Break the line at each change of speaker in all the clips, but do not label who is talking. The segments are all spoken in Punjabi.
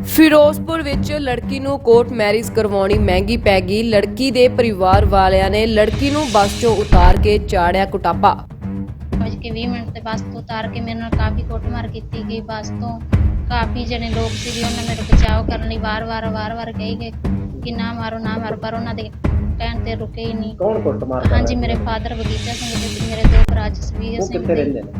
ਫਿਰੋਜ਼ਪੁਰ ਵਿੱਚ ਲੜਕੀ ਨੂੰ ਕੋਰਟ ਮੈਰਿਜ ਕਰਵਾਉਣੀ ਮਹਿੰਗੀ ਪੈ ਗਈ। ਲੜਕੀ ਦੇ ਪਰਿਵਾਰ ਵਾਲਿਆਂ ਨੇ ਲੜਕੀ ਨੂੰ ਬੱਸ 'ਚੋਂ ਉਤਾਰ ਕੇ ਚਾੜਿਆ ਕੁਟਾਪਾ।
20 ਮਿੰਟ ਤੇ ਬੱਸ ਤੋਂ ਉਤਾਰ ਕੇ ਮੇਰੇ ਨਾਲ ਕਾਫੀ ਕੁੱਟਮਾਰ ਕੀਤੀ ਗਈ। ਬੱਸ ਤੋਂ ਕਾਫੀ ਜਣੇ ਲੋਕ ਸੀਗੇ, ਉਹਨਾਂ ਮੇਰੇ ਬਚਾਅ ਕਰਨ ਲਈ ਵਾਰ-ਵਾਰ ਕਹੀ ਗਏ ਕਿ ਨਾ ਮਾਰੋ, ਪਰ ਉਹਨਾਂ ਦੇ ਕਹਿਣ ਤੇ ਰੁਕੇ ਹੀ ਨਹੀਂ।
ਕੌਣ ਕੁੱਟਮਾਰ?
ਹਾਂਜੀ, ਮੇਰੇ ਫਾਦਰ ਬਗੀਚਾ ਸਿੰਘ ਤੇ ਮੇਰੇ ਦੋ ਭਰਾ ਜਸਵੀਰ ਸਿੰਘ
ਕਿੱਥੇ ਰਹਿੰਦੇ ਨੇ?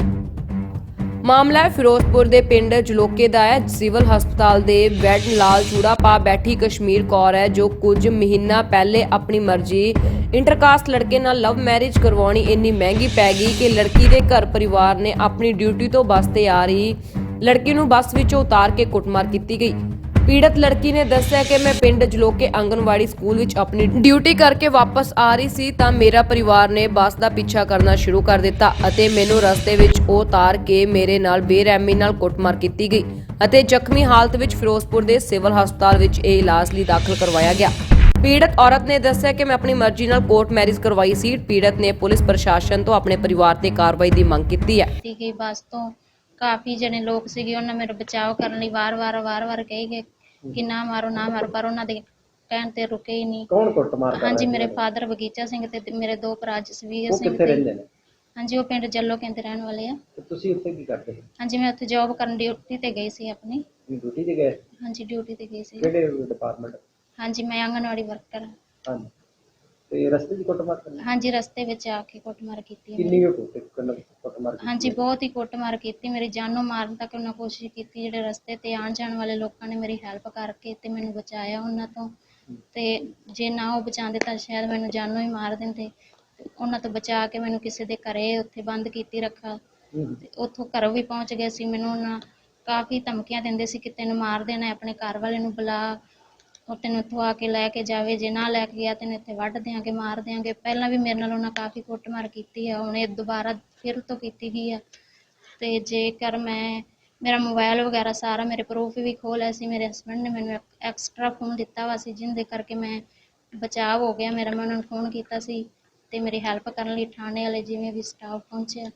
ਮਾਮਲਾ ਫਿਰੋਜ਼ਪੁਰ ਦੇ ਪਿੰਡ ਜਲੋਕੇ ਦਾ ਹੈ। ਸਿਵਲ ਹਸਪਤਾਲ ਦੇ ਬੈੱਡ ਲਾਲ ਚੂੜਾ ਪਾ ਬੈਠੀ ਕਸ਼ਮੀਰ ਕੌਰ ਹੈ, ਜੋ ਕੁਝ ਮਹੀਨਾ ਪਹਿਲੇ ਆਪਣੀ ਮਰਜ਼ੀ ਇੰਟਰਕਾਸਟ ਲੜਕੇ ਨਾਲ ਲਵ ਮੈਰਿਜ ਕਰਵਾਉਣੀ ਇੰਨੀ ਮਹਿੰਗੀ ਪੈ ਗਈ ਕਿ ਲੜਕੀ ਦੇ ਘਰ ਪਰਿਵਾਰ ਨੇ ਆਪਣੀ ਡਿਊਟੀ ਤੋਂ ਬੱਸ ਤੇ ਆ ਰਹੀ ਲੜਕੀ ਨੂੰ ਬੱਸ ਵਿੱਚੋਂ ਉਤਾਰ ਕੇ ਕੁੱਟਮਾਰ ਕੀਤੀ ਗਈ। ਪੀੜਤ ਲੜਕੀ ਨੇ ਦੱਸਿਆ ਕਿ ਮੈਂ ਪਿੰਡ ਜਲੋਕੇ ਆਂਗਨਵਾੜੀ ਸਕੂਲ ਵਿੱਚ ਆਪਣੀ ਡਿਊਟੀ ਕਰਕੇ ਵਾਪਸ ਆ ਰਹੀ ਸੀ ਤਾਂ ਮੇਰਾ ਪਰਿਵਾਰ ਨੇ ਬੱਸ ਦਾ ਪਿੱਛਾ ਕਰਨਾ ਸ਼ੁਰੂ ਕਰ ਦਿੱਤਾ ਅਤੇ ਮੈਨੂੰ ਰਸਤੇ ਵਿੱਚ ਉਤਾਰ ਕੇ ਮੇਰੇ ਨਾਲ ਬੇਰਹਿਮੀ ਨਾਲ ਕੁੱਟਮਾਰ ਕੀਤੀ ਗਈ ਅਤੇ ਜ਼ਖਮੀ ਹਾਲਤ ਵਿੱਚ ਫਿਰੋਜ਼ਪੁਰ ਦੇ ਸਿਵਲ ਹਸਪਤਾਲ ਵਿੱਚ ਇਹ ਇਲਾਜ ਲਈ ਦਾਖਲ ਕਰਵਾਇਆ ਗਿਆ। ਪੀੜਤ ਔਰਤ ਨੇ ਦੱਸਿਆ ਕਿ ਮੈਂ ਆਪਣੀ ਮਰਜ਼ੀ ਨਾਲ ਕੋਰਟ ਮੈਰਿਜ ਕਰਵਾਈ ਸੀ। ਪੀੜਤ ਨੇ ਪੁਲਿਸ ਪ੍ਰਸ਼ਾਸਨ ਤੋਂ ਆਪਣੇ ਪਰਿਵਾਰ ਤੇ ਕਾਰਵਾਈ ਦੀ ਮੰਗ ਕੀਤੀ ਹੈ।
ਕਿ ਬੱਸ ਤੋਂ ਕਾਫੀ ਜਣੇ ਲੋਕ ਸੀਗੇ, ਉਹਨਾਂ ਮੇਰੇ ਬਚਾਅ ਕਰਨ ਲਈ ਵਾਰ-ਵਾਰ ਕਹੀ ਗਏ ਕਿ ਨਾ ਮਾਰੋ, ਪਰ ਉਹਨਾਂ ਦੇ ਕਹਿਣ ਤੇ ਰੁਕੇ ਹੀ ਨਹੀਂ।
ਕੌਣ ਕੁੱਟਮਾਰ?
ਹਾਂਜੀ, ਮੇਰੇ ਫਾਦਰ ਬਗੀਚਾ ਸਿੰਘ ਤੇ ਮੇਰੇ ਦੋ ਭਰਾ ਜਸਵੀਰ ਸਿੰਘ
ਕਿੱਥੇ ਰਹਿੰਦੇ ਨੇ?
ਹਾਂਜੀ, ਉਹ ਪਿੰਡ ਜੱਲੋ ਕਹਿੰਦੇ ਰਹਿਣ ਵਾਲੇ ਆ।
ਤੇ ਤੁਸੀਂ ਉੱਥੇ ਕੀ ਕਰਦੇ ਹੋ?
ਹਾਂਜੀ, ਮੈਂ ਉੱਥੇ ਜੌਬ ਕਰਨ ਡਿਊਟੀ ਤੇ ਗਈ ਸੀ ਆਪਣੀ।
ਡਿਊਟੀ ਤੇ ਗਏ?
ਹਾਂਜੀ, ਡਿਊਟੀ ਤੇ ਗਈ ਸੀ।
ਕਿਹੜੇ ਡਿਪਾਰਟਮੈਂਟ?
ਹਾਂਜੀ, ਮੈਂ ਆਂਗਨਵਾੜੀ ਵਰਕਰ ਹਾਂ।
ਹਾਂਜੀ, ਤੇ ਰਸਤੇ 'ਚ ਕੁੱਟਮਾਰ ਕਰਨੀ?
ਹਾਂਜੀ, ਰਸਤੇ ਵਿੱਚ ਆ ਕੇ ਕੁੱਟਮਾਰ ਕੀਤੀ।
ਕਿੰਨੀ ਕੁੱਟਮਾਰ ਕੀਤੀ?
ਹਾਂਜੀ, ਬਹੁਤ ਹੀ ਕੁੱਟਮਾਰ ਕੀਤੀ। ਮੇਰੀ ਜਾਨ ਨੂੰ ਮਾਰਨ ਤੱਕ ਉਹਨਾਂ ਕੋਸ਼ਿਸ਼ ਕੀਤੀ। ਜਿਹੜੇ ਰਸਤੇ ਤੇ ਆਉਣ ਜਾਣ ਵਾਲੇ ਲੋਕਾਂ ਨੇ ਮੇਰੀ ਹੈਲਪ ਕਰਕੇ ਤੇ ਮੈਨੂੰ ਬਚਾਇਆ ਉਹਨਾਂ ਤੋਂ, ਤੇ ਜੇ ਨਾ ਉਹ ਬਚਾਉਂਦੇ ਤਾਂ ਸ਼ਾਇਦ ਮੈਨੂੰ ਜਾਨੋਂ ਹੀ ਮਾਰ ਦਿੰਦੇ। ਉਹਨਾਂ ਤੋਂ ਬਚਾ ਕੇ ਮੈਨੂੰ ਕਿਸੇ ਦੇ ਘਰੇ ਉੱਥੇ ਬੰਦ ਕੀਤੀ ਰੱਖਾ ਤੇ ਉੱਥੋਂ ਘਰੋਂ ਵੀ ਪਹੁੰਚ ਗਏ ਸੀ। ਮੈਨੂੰ ਉਹਨਾਂ ਕਾਫੀ ਧਮਕੀਆਂ ਦਿੰਦੇ ਸੀ ਕਿ ਤੈਨੂੰ ਮਾਰ ਦੇਣਾ, ਆਪਣੇ ਘਰ ਵਾਲੇ ਨੂੰ ਬੁਲਾ, ਉਹ ਤੈਨੂੰ ਇੱਥੋਂ ਆ ਕੇ ਲੈ ਕੇ ਜਾਵੇ, ਜੇ ਨਾ ਲੈ ਕੇ ਗਿਆ ਤੈਨੂੰ ਇੱਥੇ ਵੱਢ ਦਿਆਂਗੇ, ਮਾਰ ਦਿਆਂਗੇ। ਪਹਿਲਾਂ ਵੀ ਮੇਰੇ ਨਾਲ ਉਹਨਾਂ ਕਾਫੀ ਕੁੱਟਮਾਰ ਕੀਤੀ ਆ, ਹੁਣ ਇਹ ਦੁਬਾਰਾ ਫਿਰ ਤੋਂ ਕੀਤੀ ਗਈ ਆ। ਤੇ ਜੇਕਰ ਮੇਰਾ ਮੋਬਾਈਲ ਵਗੈਰਾ ਸਾਰਾ ਮੇਰੇ ਪ੍ਰੂਫ ਵੀ ਖੋਹ ਲਿਆ ਸੀ। ਮੇਰੇ ਹਸਬੈਂਡ ਨੇ ਮੈਨੂੰ ਐਕਸਟਰਾ ਫੋਨ ਦਿੱਤਾ ਵਾ ਸੀ, ਜਿਹਦੇ ਕਰਕੇ ਮੈਂ ਬਚਾਅ ਹੋ ਗਿਆ ਮੇਰਾ। ਮੈਂ ਉਹਨਾਂ ਨੂੰ ਫੋਨ ਕੀਤਾ ਸੀ ਤੇ ਮੇਰੀ ਹੈਲਪ ਕਰਨ ਲਈ ਥਾਣੇ ਵਾਲੇ ਜਿਵੇਂ ਵੀ ਸਟਾਫ ਪਹੁੰਚਿਆ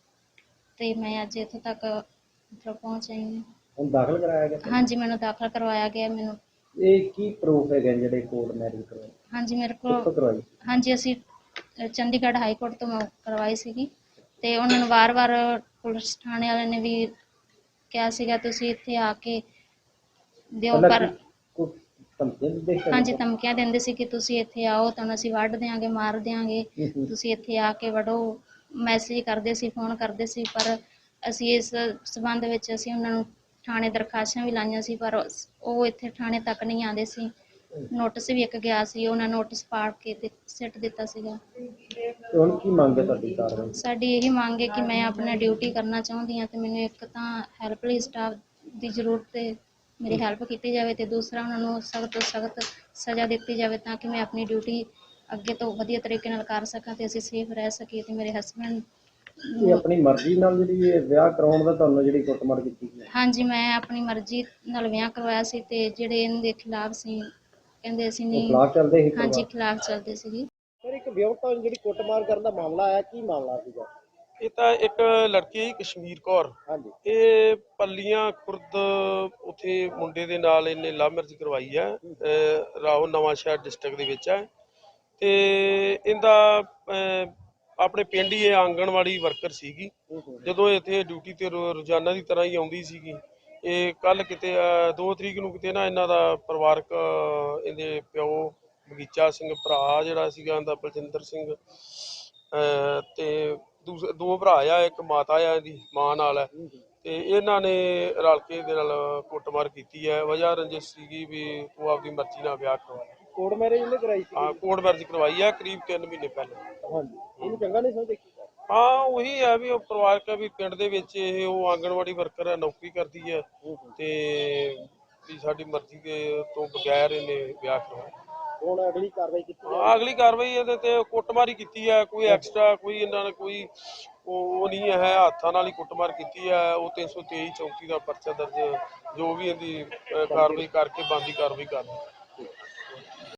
ਤੇ ਮੈਂ ਅੱਜ ਇੱਥੋਂ ਤੱਕ ਪਹੁੰਚ ਆਈ ਹਾਂ।
ਹੁਣ ਦਾਖਲ ਕਰਾਇਆ ਗਿਆ?
ਹਾਂਜੀ, ਮੈਨੂੰ ਦਾਖਲ ਕਰਵਾਇਆ ਗਿਆ। ਮੈਨੂੰ
ਇਹ ਕੀ ਪ੍ਰੂਫ ਹੈਗੇ ਜਿਹੜੇ ਕੋਰਟ ਮੈਰਿਜ ਕਰਵਾਏ?
ਹਾਂਜੀ, ਮੇਰੇ ਕੋਲ ਹਾਂਜੀ, ਅਸੀਂ ਚੰਡੀਗੜ੍ਹ ਹਾਈ ਕੋਰਟ ਤੋਂ ਮੈਂ ਕਰਵਾਈ ਸੀਗੀ ਤੇ ਉਹਨਾਂ ਨੂੰ ਵਾਰ-ਵਾਰ ਪੁਲਿਸ ਥਾਣੇ ਵਾਲਿਆਂ ਨੇ ਵੀ ਕਿਹਾ ਸੀਗਾ ਤੁਸੀਂ ਇੱਥੇ ਆ ਕੇ ਦਿਓ, ਪਰ ਹਾਂਜੀ ਧਮਕੀਆਂ ਦਿੰਦੇ ਸੀ ਕਿ ਤੁਸੀਂ ਇੱਥੇ ਆਓ ਤੁਹਾਨੂੰ ਅਸੀਂ ਵੱਢ ਦਿਆਂਗੇ, ਮਾਰ ਦਿਆਂਗੇ, ਤੁਸੀਂ ਇੱਥੇ ਆ ਕੇ ਵੜੋ। ਮੈਸੇਜ ਕਰਦੇ ਸੀ, ਫੋਨ ਕਰਦੇ ਸੀ, ਪਰ ਅਸੀਂ ਇਸ ਸਬੰਧ ਵਿੱਚ ਅਸੀਂ ਉਹਨਾਂ ਨੂੰ ਥਾਣੇ ਦਰਖਾਸਤਾਂ ਵੀ ਲਾਈਆਂ ਸੀ, ਪਰ ਉਹ ਇੱਥੇ ਥਾਣੇ ਤੱਕ ਨਹੀਂ ਆਉਂਦੇ ਸੀ। ਨੋਟਿਸ ਵੀ ਇੱਕ ਗਿਆ ਸੀ, ਉਹਨਾਂ ਨੋਟਿਸ ਪਾੜ ਕੇ ਤੇ ਸਿੱਟ ਦਿੱਤਾ ਸੀਗਾ।
ਹੁਣ ਕੀ ਮੰਗ ਹੈ ਤੁਹਾਡੀ ਕਾਰਵਾਈ?
ਸਾਡੀ ਇਹੀ ਮੰਗ ਹੈ ਕਿ ਮੈਂ ਆਪਣਾ ਡਿਊਟੀ ਕਰਨਾ ਚਾਹੁੰਦੀ ਹਾਂ ਤੇ ਮੈਨੂੰ ਇੱਕ ਤਾਂ ਹੈਲਪਲਾਈਨ ਸਟਾਫ ਦੀ ਜ਼ਰੂਰਤ ਹੈ, ਮੇਰੀ ਹੈਲਪ ਕੀਤੀ ਜਾਵੇ, ਤੇ ਦੂਸਰਾ ਉਹਨਾਂ ਨੂੰ ਸਖਤ ਤੋਂ ਸਖਤ ਸਜ਼ਾ ਦਿੱਤੀ ਜਾਵੇ ਤਾਂ ਕਿ ਮੈਂ ਆਪਣੀ ਡਿਊਟੀ ਅੱਗੇ ਤੋਂ ਵਧੀਆ ਤਰੀਕੇ ਨਾਲ ਕਰ ਸਕਾਂ ਤੇ ਅਸੀਂ ਸੇਫ ਰਹਿ ਸਕੀਏ। ਤੇ ਮੇਰੇ ਹਸਬੈਂਡ
ਆਪਣੀ ਮਰਜ਼ੀ ਨਾਲ ਜਿਹੜੀ ਇਹ ਵਿਆਹ ਕਰਾਉਣ ਦਾ ਤੁਹਾਨੂੰ ਜਿਹੜੀ ਕੁੱਟਮਾਰ ਕੀਤੀ ਗਈ?
ਹਾਂਜੀ, ਮੈਂ ਆਪਣੀ ਮਰਜ਼ੀ ਨਾਲ ਵਿਆਹ ਕਰਵਾਇਆ ਸੀ ਤੇ ਜਿਹੜੇ ਇਹਦੇ ਖਿਲਾਫ ਸੀ ਕਹਿੰਦੇ ਅਸੀਂ ਨਹੀਂ।
ਖਿਲਾਫ ਚੱਲਦੇ ਸੀ?
ਹਾਂਜੀ, ਖਿਲਾਫ ਚੱਲਦੇ ਸੀਗੇ।
ਸਰ, ਇੱਕ ਵਿਆਹੁਤਾ ਜਿਹੜੀ ਕੁੱਟਮਾਰ ਕਰਨ ਦਾ ਮਾਮਲਾ ਆਇਆ, ਕੀ ਮਾਮਲਾ ਸੀਗਾ?
ਇਹ ਤਾਂ ਇੱਕ ਲੜਕੀ ਕਸ਼ਮੀਰ ਕੌਰ,
ਹਾਂਜੀ,
ਇਹ ਪੱਲੀਆਂ ਖੁਰਦ ਉੱਥੇ ਮੁੰਡੇ ਦੇ ਨਾਲ ਇਹਨੇ ਲਵ ਮੈਰਿਜ ਕਰਵਾਈ ਹੈ। ਰਾਓ ਨਵਾਂ ਸ਼ਹਿਰ ਡਿਸਟ੍ਰਿਕਟ ਦੇ ਵਿੱਚ ਹੈ ਤੇ ਇਹਦਾ ਆਪਣੇ ਪਿੰਡ ਹੀ ਇਹ ਆਂਗਣਵਾੜੀ ਵਰਕਰ ਸੀਗੀ। ਜਦੋਂ ਇੱਥੇ ਡਿਊਟੀ ਤੇ ਰੋਜ਼ਾਨਾ ਦੀ ਤਰ੍ਹਾਂ ਹੀ ਆਉਂਦੀ ਸੀਗੀ, ਇਹ ਕੱਲ ਕਿਤੇ 2 ਤਰੀਕ ਨੂੰ ਕਿਤੇ ਨਾ ਇਹਨਾਂ ਦਾ ਪਰਿਵਾਰਕ ਇਹਦੇ ਪਿਓ ਬਗੀਚਾ ਸਿੰਘ, ਭਰਾ ਜਿਹੜਾ ਸੀਗਾ ਇਹਦਾ ਬਲਜਿੰਦਰ ਸਿੰਘ, ਤੇ ਦੋ ਭਰਾ ਆ, ਇੱਕ ਮਾਤਾ ਆ ਇਹਦੀ ਮਾਂ ਨਾਲ ਹੈ, ਤੇ ਇਹਨਾਂ ਨੇ ਰਲ ਕੇ ਇਹਦੇ ਨਾਲ ਕੁੱਟਮਾਰ ਕੀਤੀ ਹੈ। ਵਜ੍ਹਾ ਰੰਜਿਸ਼ ਸੀਗੀ ਵੀ ਉਹ ਆਪਦੀ ਮਰਜ਼ੀ ਨਾਲ ਵਿਆਹ ਕਰਵਾਇਆ।
ਕੋਰਟ ਮੈਰਿਜ ਇਹਨੇ ਕਰਾਈ ਸੀ?
ਹਾਂ, ਕੋਰਟ ਮੈਰਿਜ ਕਰਵਾਈ ਹੈ ਕਰੀਬ 3 ਮਹੀਨੇ ਪਹਿਲਾਂ।
ਹਾਂਜੀ, ਇਹਨੂੰ ਚੰਗਾ ਨਹੀਂ ਸਮਝਦੇ?
ਹਾਂ, ਉਹੀ ਹੈ ਵੀ ਉਹ ਪਰਿਵਾਰਕ ਵੀ ਪਿੰਡ ਦੇ ਵਿੱਚ ਇਹ ਉਹ ਆਂਗਣਵਾੜੀ ਵਰਕਰ ਹੈ, ਨੌਕਰੀ ਕਰਦੀ ਹੈ ਤੇ ਵੀ ਸਾਡੀ ਮਰਜ਼ੀ ਦੇ ਤੋਂ ਬਗੈਰ ਇਹਨੇ ਵਿਆਹ ਕਰਵਾਇਆ।
ਹੁਣ ਅਗਲੀ ਕਾਰਵਾਈ ਕੀਤੀ?
ਹਾਂ, ਅਗਲੀ ਕਾਰਵਾਈ ਇਹਦੇ ਤੇ ਕੁੱਟਮਾਰ ਹੀ ਕੀਤੀ ਹੈ, ਕੋਈ ਐਕਸਟਰਾ ਕੋਈ ਇਹਨਾਂ ਨੇ ਕੋਈ ਉਹ ਨਹੀਂ ਹੈ, ਹੱਥਾਂ ਨਾਲ ਹੀ ਕੁੱਟਮਾਰ ਕੀਤੀ ਹੈ। ਉਹ 323 34 ਦਾ ਪਰਚਾ ਦਰਜ, ਜੋ ਵੀ ਇਹਦੀ ਕਾਰਵਾਈ ਕਰਕੇ ਬਣਦੀ ਕਾਰਵਾਈ ਕਰਨੀ।